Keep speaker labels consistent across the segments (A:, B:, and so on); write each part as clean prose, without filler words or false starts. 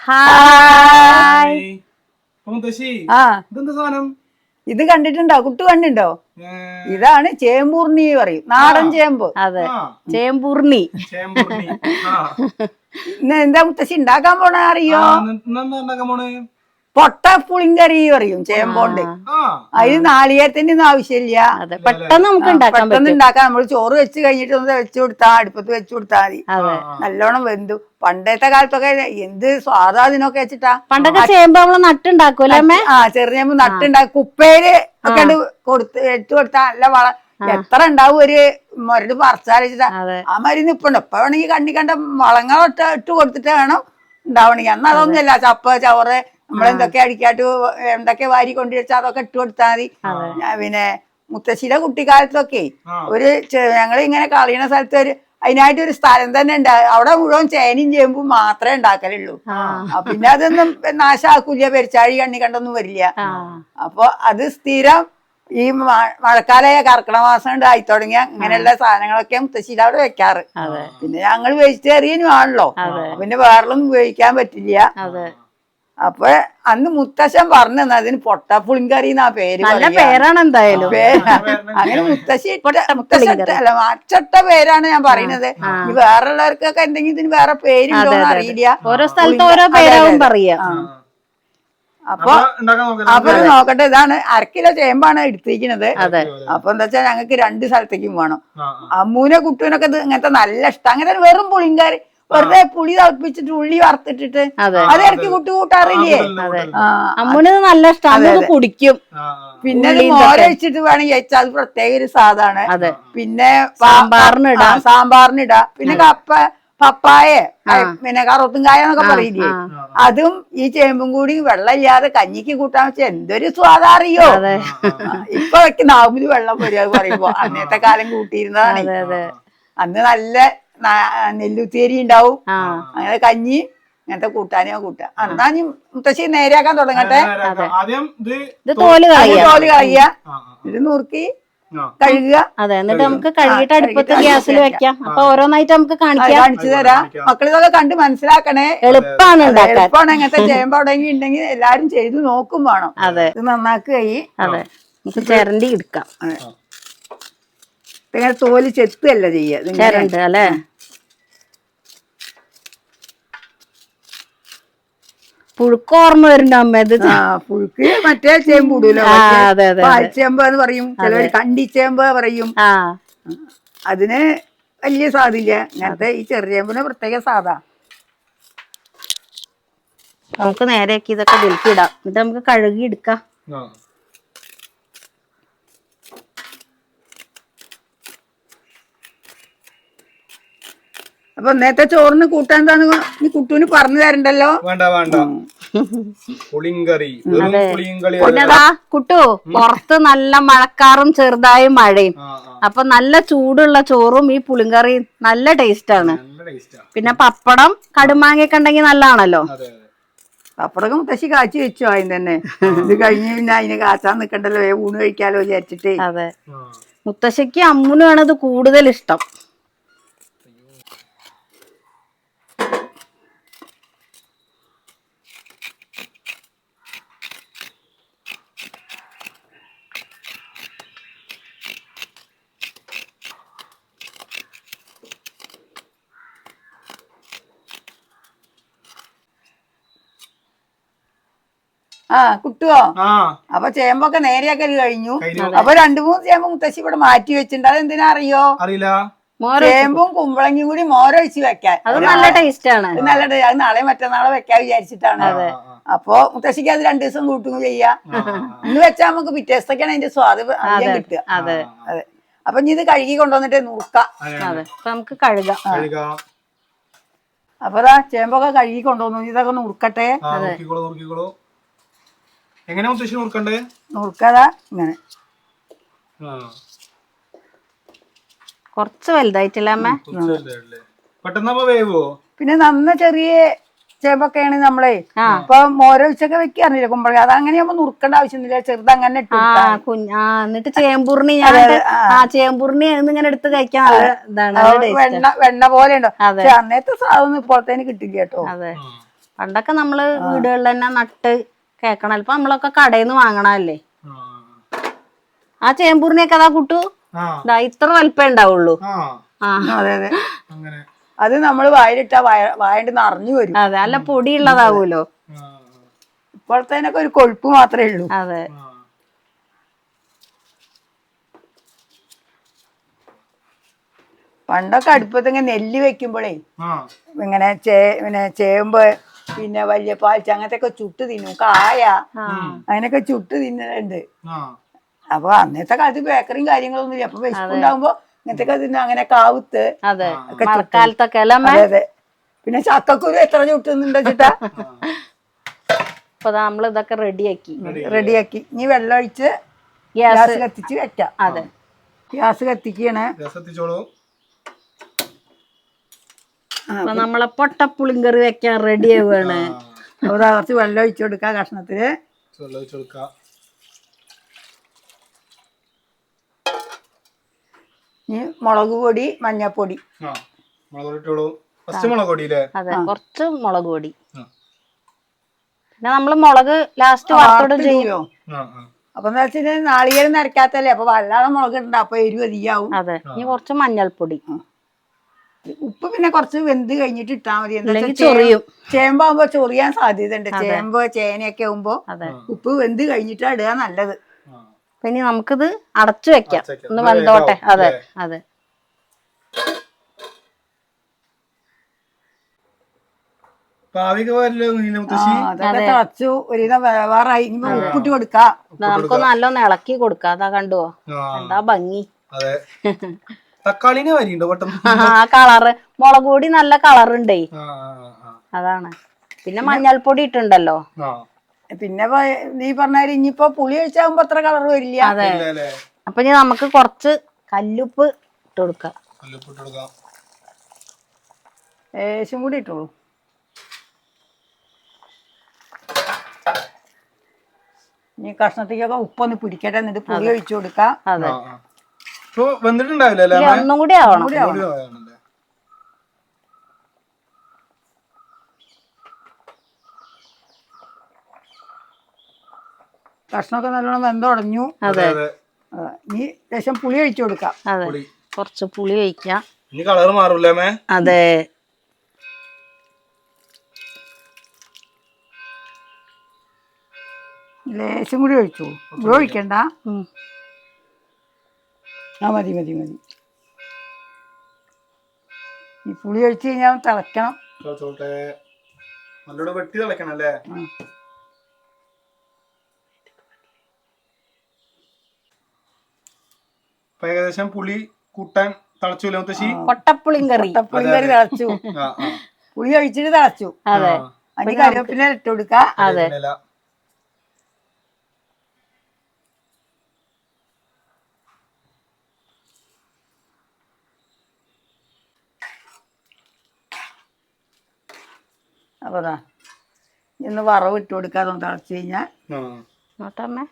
A: Hi.
B: ഇത് കണ്ടിട്ടുണ്ടോ? കുട്ടു കണ്ടിട്ടുണ്ടോ? ഇതാണ് ചേമ്പൂർണി പറയും, നാടൻ ചേമ്പ്.
A: അതെ, ചേമ്പൂർണി.
B: ഇന്ന് എന്താ മുത്തശ്ശി ഉണ്ടാക്കാൻ പോണ അറിയോ? പൊട്ട പുളിങ്കറി പറയും ചേമ്പോണ്ട്. അതിന് നാളികേരത്തിന്റെ ഒന്നും ആവശ്യമില്ല.
A: പെട്ടെന്ന് നമുക്ക്
B: ഉണ്ടാക്കാം. നമ്മൾ ചോറ് വെച്ച് കഴിഞ്ഞിട്ട് ഒന്ന് വെച്ചു കൊടുത്താ, അടുപ്പത്ത് വെച്ചു കൊടുത്താൽ മതി. നല്ലോണം വെന്തു. പണ്ടത്തെ കാലത്തൊക്കെ എന്ത് സ്വാദാ അതിനൊക്കെ വെച്ചിട്ടാ.
A: പണ്ടൊക്കെ ചേമ്പ് നമ്മള് നട്ടുണ്ടാക്കൂലേ?
B: ചെറുചേമ്പ് നട്ടുണ്ടാക്കി കുപ്പയില് ഒക്കെ വെച്ചു കൊടുത്താ നല്ല വളം. എത്ര ഉണ്ടാവും ഒരു മരുന്ന് പറിച്ചാലിച്ചിട്ടാ. ആ മരുന്ന് ഇപ്പൊ വേണമെങ്കിൽ കണ്ണി കണ്ട വളങ്ങളൊട്ട് ഇട്ട് കൊടുത്തിട്ട് വേണം ഉണ്ടാവണമെങ്കിൽ. അന്ന് അതൊന്നുമില്ല. ചപ്പ് ചവറ് നമ്മളെന്തൊക്കെ അടിക്കാട്ട് എന്തൊക്കെ വാരി കൊണ്ടുവച്ചാൽ അതൊക്കെ ഇട്ട് കൊടുത്താൽ മതി. പിന്നെ മുത്തശ്ശിയുടെ കുട്ടിക്കാലത്തൊക്കെ ഒരു ഞങ്ങൾ ഇങ്ങനെ കളിയണ സ്ഥലത്ത് അതിനായിട്ട് ഒരു സ്ഥലം തന്നെ ഉണ്ട്. അവിടെ മുഴുവൻ ചേനയും ചേമ്പും മാത്രമേ ഉണ്ടാക്കലുള്ളൂ. പിന്നെ അതൊന്നും നാശാക്കൂല, പെരിച്ചാഴി കണ്ണി കണ്ടൊന്നും വരില്ല. അപ്പൊ അത് സ്ഥിരം ഈ മഴക്കാലമായ കർക്കിടക മാസം കൊണ്ട് ആയി തുടങ്ങിയ ഇങ്ങനെയുള്ള സാധനങ്ങളൊക്കെ മുത്തശ്ശിയുടെ അവിടെ വെക്കാറ്. പിന്നെ ഞങ്ങൾ വെജിറ്റേറിയനും ആണല്ലോ, പിന്നെ വേറൊന്നും ഉപയോഗിക്കാൻ പറ്റില്ല. അപ്പൊ അന്ന് മുത്തശ്ശൻ പറഞ്ഞു അതിന് പൊട്ടപ്പുളിങ്കറി എന്നാ പേര്.
A: നല്ല പേരാണ് എന്തായാലും.
B: അങ്ങനെ മുത്തശ്ശിട്ടല്ല അച്ചട്ട പേരാണ് ഞാൻ പറയുന്നത്. ഈ വേറെയുള്ളവർക്കൊക്കെ എന്തെങ്കിലും ഇതിന് വേറെ പേരുണ്ടോന്ന് അറിയില്ല.
A: ഓരോ സ്ഥലത്ത് ഓരോ പേരാവും പറയാ.
B: അപ്പൊ നോക്കട്ടെ. ഇതാണ് 1 കിലോ ചേമ്പാണ് എടുത്തിരിക്കുന്നത്. അപ്പൊ എന്താ വെച്ചാൽ ഞങ്ങൾക്ക് 2 സ്ഥലത്തേക്കും വേണം. അമ്മൂനെ കുട്ടൂനൊക്കെ ഇത് ഇങ്ങനത്തെ നല്ല ഇഷ്ടം. അങ്ങനെ വെറും പുളിങ്കറി, വെറുതെ പുളി തിളപ്പിച്ചിട്ട് ഉള്ളി വറുത്തിട്ടിട്ട് അത് ഇറക്കി കൂട്ടാറില്ലേ?
A: അമ്മൂന് നല്ല ഇഷ്ടം, കുടിക്കും.
B: പിന്നെ മോരൊഴിച്ചിട്ട് വേണമെങ്കിൽ വെച്ചാൽ അത് പ്രത്യേക ഒരു സാധാണ്. പിന്നെ സാമ്പാറിനിടാ. പിന്നെ പപ്പായ, പിന്നെ കറുത്തുംകായ എന്നൊക്കെ പറയില്ലേ, അതും ഈ ചേമ്പും കൂടി വെള്ളമില്ലാതെ കഞ്ഞിക്ക് കൂട്ടാൻ വെച്ചാൽ എന്തൊരു സ്വാദാറിയോ. ഇപ്പൊ നാവില് വെള്ളം വരിക പറയുമ്പോ അന്നത്തെ കാലം കൂട്ടിയിരുന്നതാണ്. അന്ന് നല്ല നെല്ലുത്തേരി ഉണ്ടാവും, അങ്ങനെ കഞ്ഞി ഇങ്ങനത്തെ കൂട്ടാനോ കൂട്ടാ. എന്നാ നീ മുത്തശ്ശി നേരെയാക്കാൻ തുടങ്ങട്ടെ. തോല് കളയുക, ഇത് നുറുക്കി കഴുകുക.
A: അതെ, എന്നിട്ട് നമുക്ക് കഴുകിയിട്ട് അടുപ്പത്ത് ഗ്യാസിൽ വെക്കാം. അപ്പൊ ഓരോന്നായിട്ട് നമുക്ക് കാണിച്ചു തരാം.
B: മക്കളിതൊക്കെ കണ്ട് മനസ്സിലാക്കണേ.
A: എളുപ്പമാണ്
B: എങ്ങനത്തെ ചേമ്പ് എവിടെയെങ്കിലും ഉണ്ടെങ്കിൽ എല്ലാരും ചെയ്ത് നോക്കും വേണം. ഇത് നന്നാക്കുകയും
A: നമുക്ക് ചിരണ്ടി എടുക്കാം.
B: ഇങ്ങനെ തോല് ചെത്തല്ല
A: ചിരണ്ട് അല്ലേ? പുഴുക്ക് ഓർമ്മ വരുന്നുണ്ട് അമ്മ. ഇത്
B: പുഴുക്ക് മറ്റേ ചേമ്പ് ഇടൂലോ, പാൽച്ചേമ്പ് എന്ന് പറയും, ചിലവര് കണ്ടിച്ചേമ്പ് പറയും. അതിന് വലിയ സ്വാദില്ല. ഇങ്ങനത്തെ ഈ ചെറുചേമ്പിന് പ്രത്യേക സ്വാദാ.
A: നമുക്ക് നേരെയാക്കി ഇതൊക്കെ ഇതിൽക്കിടാം. എന്നിട്ട് നമുക്ക് കഴുകി എടുക്കാം.
B: അപ്പൊ നേരത്തെ ചോറിന് കൂട്ടാൻ എന്താന്ന് നീ കുട്ടൂന് പറഞ്ഞു തരണ്ടല്ലോ.
A: പിന്നെതാ കുട്ടു, പുറത്ത് നല്ല മഴക്കാറും ചെറുതായി മഴയും. അപ്പൊ നല്ല ചൂടുള്ള ചോറും ഈ പുളിങ്കറിയും നല്ല ടേസ്റ്റ് ആണ്. പിന്നെ പപ്പടം കടുമാങ്ങയൊക്കെ ഉണ്ടെങ്കിൽ നല്ലതാണല്ലോ.
B: പപ്പടം മുത്തശ്ശി കാച്ചി വെച്ചു ആദ്യം തന്നെ. ഇത് കഴിഞ്ഞ് പിന്നെ അതിന് കാച്ചാൻ നിക്കണ്ടല്ലോ, ഊണ് കഴിക്കാലോ വിചാരിച്ചിട്ട്.
A: അതെ, മുത്തശ്ശിക്ക് അമ്മുനാണ് ഇത് കൂടുതൽ ഇഷ്ടം.
B: കുട്ടുവോ? അപ്പൊ ചേമ്പൊക്കെ നേരെയാക്കല് കഴിഞ്ഞു. അപ്പൊ 2-3 ചേമ്പ് മുത്തശ്ശി ഇവിടെ മാറ്റി വെച്ചിട്ടുണ്ട്. അതെന്തിനാ അറിയോ? ചേമ്പും കുമ്പളങ്ങയും കൂടി മോരൊഴിച്ച് വെക്കാൻ.
A: അത് നല്ല ടേസ്റ്റ് ആണ്.
B: നല്ല ടേസ്റ്റ്. അത് നാളെ മറ്റന്നാളെ വെക്കാൻ വിചാരിച്ചിട്ടാണ്. അപ്പൊ മുത്തശ്ശിക്ക് അത് 2 ദിവസം കൂട്ടുക ചെയ്യാം. ഇന്ന് വെച്ചാൽ നമുക്ക് പിറ്റേ ദിവസത്തേക്കാണ് അതിന്റെ സ്വാദ് അധികം കിട്ടുക. അതെ. അപ്പൊ ഇനി ഇത് കഴുകി കൊണ്ടുവന്നിട്ട് നുറുക്കാം.
A: നമുക്ക് കഴുകാം.
B: അപ്പൊ ചേമ്പൊക്കെ കഴുകി കൊണ്ടുവന്നു. ഇതൊക്കെ നുറുക്കട്ടെ.
C: എങ്ങനെ മുത്തശ്ശി നുറുക്കണ്ടേ?
B: നുറുക്കതാ ഇങ്ങനെ
A: കുറച്ച് വലുതായിട്ടില്ല അമ്മ.
C: പെട്ടെന്ന് വേവോ?
B: പിന്നെ നന്ന ചെറിയ ചേമ്പൊക്കെയാണ് നമ്മളെ ഇപ്പൊ മോരൊഴിച്ചൊക്കെ വെക്കാറില്ല കുമ്പളങ്ങ. അതങ്ങനെയാകുമ്പോ നുറുക്കേണ്ട ആവശ്യമൊന്നുമില്ല. ചെറുതങ്ങനെ
A: എന്നിട്ട് ചേമ്പൂർണി ചേമ്പൂർണി ഇങ്ങനെ എടുത്ത് കഴിക്കാൻ
B: വെണ്ണ പോലെ ഉണ്ടോ. പക്ഷെ അന്നത്തെ സാധനം ഇപ്പോഴത്തേന് കിട്ടില്ല കേട്ടോ.
A: പണ്ടൊക്കെ നമ്മള് വീടുകളിൽ തന്നെ നട്ട് കേക്കണം. ഇപ്പൊ നമ്മളൊക്കെ കടയിൽ നിന്ന് വാങ്ങണല്ലേ. ആ ചേമ്പൂരിനെയൊക്കെ അതാ കുട്ടു ഇത്ര വലിപ്പേ ഉണ്ടാവുള്ളൂ.
B: അതെ അതെ, അത് നമ്മള് വായിലിട്ടാ വായണ്ട് നിറഞ്ഞു വരും.
A: അതെ, നല്ല പൊടിയുള്ളതാവൂലോ.
B: ഇപ്പോഴത്തേനൊക്കെ ഒരു കൊഴുപ്പ് മാത്രമേ ഉള്ളൂ.
A: അതെ,
B: പണ്ടൊക്കെ അടുപ്പത്ത് ഇങ്ങനെ നെല്ല് വെക്കുമ്പോഴേ ഇങ്ങനെ പിന്നെ ചേമ്പ് പിന്നെ വലിയ പാൽച്ച അങ്ങനത്തെ ഒക്കെ ചുട്ട് തിന്നും. കായ അങ്ങനെയൊക്കെ ചുട്ട് തിന്നുന്നുണ്ട്. അപ്പൊ അന്നത്തെ കാലത്ത് ബേക്കറിയും കാര്യങ്ങളൊന്നും ഇല്ല. അപ്പൊ വിശപ്പുണ്ടാകുമ്പോ ഇങ്ങനത്തെ ഒക്കെ തിന്നു. അങ്ങനെ കാവുത്ത്
A: മഴക്കാലത്തൊക്കെ അല്ലേ.
B: അതെ, പിന്നെ ചക്കക്കുരു എത്ര ചുട്ടുന്നുണ്ട് വെച്ചിട്ടാ.
A: അപ്പൊ നമ്മൾ ഇതൊക്കെ റെഡിയാക്കി.
B: ഇനി വെള്ളം ഒഴിച്ച് ഗ്യാസ് കത്തിച്ച് വെക്കാം.
A: അതെ,
B: ഗ്യാസ് കത്തിക്കണേ.
A: അപ്പൊ നമ്മളെ പൊട്ടപ്പുളിങ്കറി വെക്കാൻ റെഡി ആവുകയാണ്.
B: അപ്പൊ കുറച്ച് വെള്ളം ഒഴിച്ചു കൊടുക്കാം കഷ്ണത്തില്. ഇനി മുളക് പൊടി, മഞ്ഞപ്പൊടി.
A: അതെ, കുറച്ച് മുളക് പൊടി. പിന്നെ നമ്മള് മുളക് ലാസ്റ്റ് വറുത്തോടും ചെയ്യും.
B: അപ്പൊ എന്താ വെച്ചാൽ നാളികേരം നരക്കാത്തല്ലേ, അപ്പൊ വല്ലാതെ മുളക് ഇടണ്ട, അപ്പൊ എരിവ് അധികമാവും.
A: അതെ, ഇനി കുറച്ച് മഞ്ഞൾപ്പൊടി.
B: ഉപ്പ് പിന്നെ കുറച്ച് വെന്ത് കഴിഞ്ഞിട്ട് ഇട്ടാ മതി. എന്താ ചേമ്പാകുമ്പോ ചൊറിയാൻ സാധ്യത ഉണ്ട്. ചേമ്പ് ചേനയൊക്കെ ആകുമ്പോ ഉപ്പ് വെന്ത് കഴിഞ്ഞിട്ടാ ഇടുക നല്ലത്.
A: ഇനി നമുക്കിത് അടച്ചു വെക്കാം, ഒന്ന് വെന്തോട്ടെ. അതെ അതെ,
B: അതൊക്കെ തിളച്ചു ഒരുവിധം വേവാറായി. ഇനി ഉപ്പിട്ട് കൊടുക്കാം.
A: നമുക്കൊന്ന് നല്ലോണം ഇളക്കി കൊടുക്കാം. അതാ കണ്ടുവോ എന്താ ഭംഗി.
C: തക്കാളിനെ വരിയുണ്ടോ പെട്ടെന്ന്?
A: ആ കളറ് മുളക് പൊടി നല്ല കളറുണ്ടേ, അതാണ്. പിന്നെ മഞ്ഞൾപ്പൊടി ഇട്ടുണ്ടല്ലോ.
B: പിന്നെ നീ പറഞ്ഞാല് ഇനിയിപ്പോ പുളി ഒഴിച്ചാകുമ്പോ അത്ര കളർ വരില്ല.
A: അതെ, അപ്പൊ ഇനി നമുക്ക് കുറച്ച് കല്ലുപ്പ് ഇട്ട് കൊടുക്കാം.
B: ലേശം കൂടി ഇട്ടോളൂ. ഇനി കഷ്ണത്തേക്കൊക്കെ ഉപ്പൊന്ന് പിടിക്കട്ടെ, എന്നിട്ട് പുളി ഒഴിച്ചു കൊടുക്കാം.
A: അതെ,
C: വെന്തിട്ടുണ്ടാവില്ല,
A: ഒന്നും കൂടി ആവണം.
B: കഷ്ണമൊക്കെ നല്ലോണം വെന്തുടഞ്ഞു.
A: അതെ,
B: ഇനി ലേശം പുളി ഒഴിച്ചു കൊടുക്കാം.
A: അതെ, കുറച്ച് പുളി ഒഴിക്കാം.
C: കളർ മാറൂലേ?
A: അതെ,
B: ലേശം കൂടി ഒഴിച്ചു. ഇവിടെ ഒഴിക്കണ്ട. മതി മതി മതി. ഈ പുളി ഒഴിച്ച് കഴിഞ്ഞാൽ തിളക്കണം.
C: നല്ലോണം വെട്ടി തിളക്കണം അല്ലേ? ഏകദേശം പുളി കൂട്ടാൻ തിളച്ചു.
A: പൊട്ടപ്പുളിങ്കറി
B: തിളച്ചു. പുളി ഒഴിച്ചിട്ട് തിളച്ചു.
A: അതെ,
B: അതിന് കറിവേപ്പില ഇട്ട് കൊടുക്ക.
A: അതെ,
B: അപ്പൊ ഇന്ന് വറവ് ഇട്ട് കൊടുക്കാതെ തിളച്ചു കഴിഞ്ഞാൽ
A: നോട്ടമ്മേ.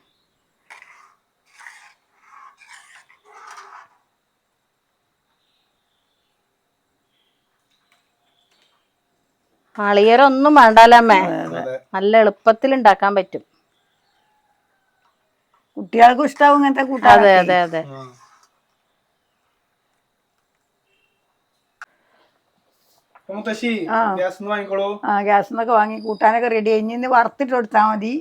A: നാളികേരം ഒന്നും വേണ്ടല്ലേ, നല്ല എളുപ്പത്തിൽ ഉണ്ടാക്കാൻ പറ്റും.
B: കുട്ടികൾക്കും ഇഷ്ടാവും ഇങ്ങനത്തെ കൂട്ടാൻ.
A: അതെ അതെ അതെ,
B: ഗ്യാസിന്നൊക്കെ വാങ്ങി കൂട്ടാനൊക്കെ റെഡി. ഇനി വറുത്തിട്ട് കൊടുത്താ മതി.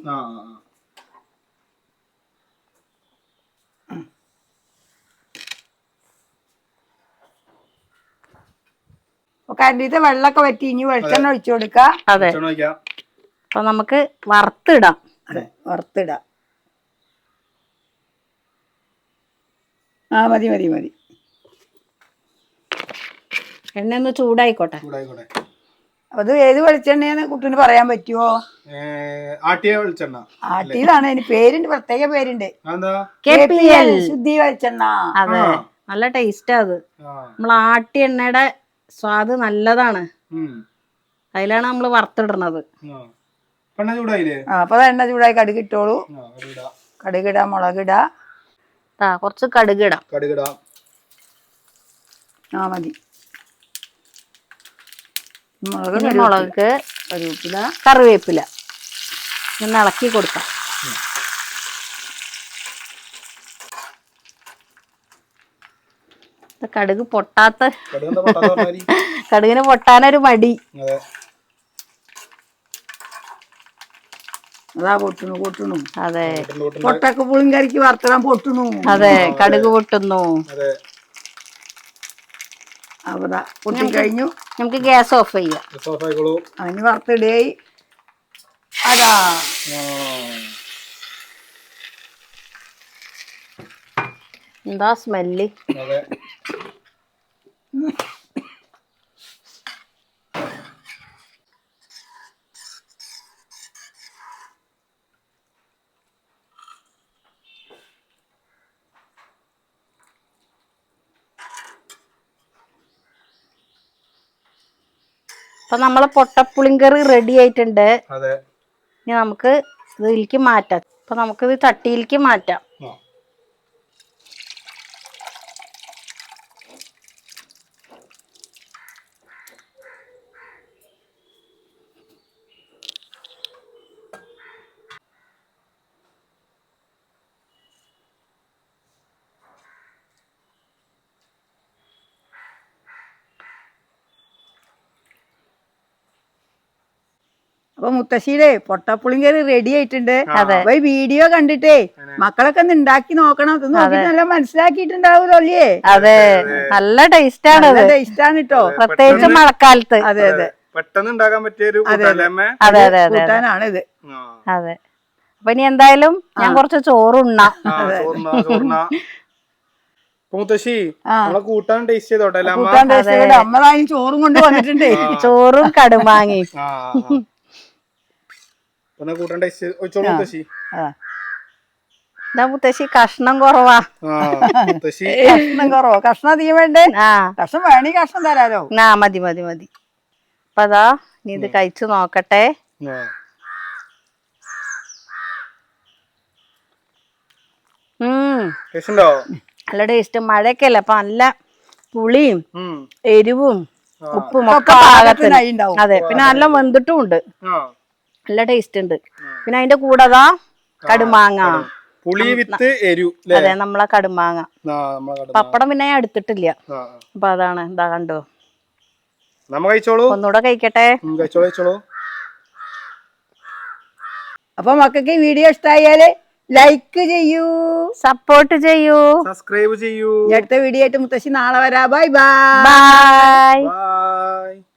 B: കരണ്ടിത്തെ വെള്ളമൊക്കെ വറ്റി. ഇനി വെളിച്ചെണ്ണ ഒഴിച്ചു കൊടുക്ക.
A: അതെ, അപ്പൊ നമുക്ക് വറുത്തിടാം.
B: വറുത്തിടാം. മതി മതി മതി.
A: എണ്ണ ഒന്ന് ചൂടായിക്കോട്ടെ.
B: അത് ഏത് വെളിച്ചെണ്ണയെന്ന് കുട്ടീന് പറയാൻ പറ്റുമോ?
C: ആട്ടിയ വെളിച്ചെണ്ണ.
B: ആട്ടിയതാണ്. അതിന് പേരുണ്ട്, പ്രത്യേക പേരുണ്ട്. ശുദ്ധി വെളിച്ചെണ്ണ.
A: അതെ, നല്ല ടേസ്റ്റാ അത്. നമ്മൾ ആട്ടിയ എണ്ണയുടെ സ്വാദ് നല്ലതാണ്. അതിലാണ് നമ്മൾ വറുത്തിടുന്നത്.
B: അപ്പൊ എണ്ണ ചൂടായി കടുക് ഇട്ടോളൂ. കടുകിടാ, മുളകിടാ.
A: കുറച്ച് കടുകിടാം.
B: മതി.
A: മുളക് കറിവേപ്പില ഒന്ന് ഇളക്കി കൊടുക്കാം. കടുക് പൊട്ടാത്ത കടുകിന് പൊട്ടാനൊരു മടി.
B: അതാ പൊട്ടണു.
A: അതെ
B: പൊട്ടൊക്കെ പുളിങ്കറിക്ക് വറുത്തിടാൻ പൊട്ടണു.
A: അതെ കടുക് പൊട്ടുന്നു.
B: അവിടെ പൊട്ടി കഴിഞ്ഞു.
A: നമുക്ക് ഗ്യാസ് ഓഫ് ചെയ്യാം.
B: അതിന് വറുത്തിടേ. അതാ
A: എന്താ സ്മെല്ല്. അപ്പൊ നമ്മളെ പൊട്ടപ്പുളിങ്കറി റെഡി ആയിട്ടുണ്ട്. ഇനി നമുക്ക് ഇതിലേക്ക് മാറ്റാം. അപ്പൊ നമുക്കിത് ചട്ടിയിലേക്ക് മാറ്റാം.
B: അപ്പൊ മുത്തശ്ശിയുടെ പൊട്ടപ്പുളിങ്കറി റെഡി ആയിട്ടുണ്ട്. അപ്പൊ ഈ വീഡിയോ കണ്ടിട്ടേ മക്കളൊക്കെ ഒന്ന് ഉണ്ടാക്കി നോക്കണം. ഇത് നോക്കിട്ട് നല്ല മനസ്സിലാക്കിയിട്ടുണ്ടാവൂലോ അല്ലേ?
A: അതെ നല്ല ടേസ്റ്റ് ആണ്.
B: ടേസ്റ്റാണ് കേട്ടോ,
A: പ്രത്യേകിച്ച് മഴക്കാലത്ത്.
B: അതെ അതെ
C: പെട്ടെന്ന് ഉണ്ടാക്കാൻ പറ്റിയൊരു
B: കൂട്ടാനാണ് ഇത്.
A: അതെ അപ്പൊ ഇനി എന്തായാലും ഞാൻ കുറച്ച് ചോറുണ്ണാം.
C: മുത്തശ്ശി നമ്മളെ കൂട്ടാൻ ടേസ്റ്റ് ചെയ്തോട്ടെ.
B: അമ്മളായി ചോറും കൊണ്ട് വന്നിട്ടുണ്ടേ.
A: ചോറും കടുമാങ്ങി.
C: കൂട്ടാൻ ടേസ്റ്റ് മുത്തശ്ശി.
A: മുത്തശ്ശി കഷ്ണം കുറവാ.
B: കഷ്ണം കുറവോ? കഷ്ണം അധികം വേണ്ടേ? കഷ്ണം വേണേ കഷ്ണം തരാലോ.
A: മതി മതി മതി. അപ്പൊ അതാ നീ ഇത് കഴിച്ചു നോക്കട്ടെ. നല്ല ടേസ്റ്റ്. മഴയൊക്കെ അല്ലേ അപ്പൊ നല്ല പുളിയും എരിവും ഉപ്പും ഒക്കെ പാകത്തിന്. അതെ പിന്നെ നല്ല വെന്തിട്ടും ഉണ്ട്. നല്ല ടേസ്റ്റ് ഉണ്ട്. പിന്നെ അതിന്റെ കൂടെ അതാ കടുമാങ്ങ.
C: പുളി വിത്ത് എരു.
A: അതെ നമ്മളെ കടുമാങ്ങ. പപ്പടം പിന്നെ ഞാൻ എടുത്തിട്ടില്ല. അപ്പൊ അതാണ്. എന്താ കണ്ടോ? ഒന്നുകൂടെ കഴിക്കട്ടെ.
B: അപ്പൊ മക്കൾക്ക് ഈ വീഡിയോ ഇഷ്ടമായാല് ലൈക്ക് ചെയ്യൂ,
A: സപ്പോർട്ട് ചെയ്യൂ,
C: സബ്സ്ക്രൈബ് ചെയ്യൂ.
B: അടുത്ത വീഡിയോ ആയിട്ട് മുത്തശ്ശി നാളെ വരാം. Bye
A: by.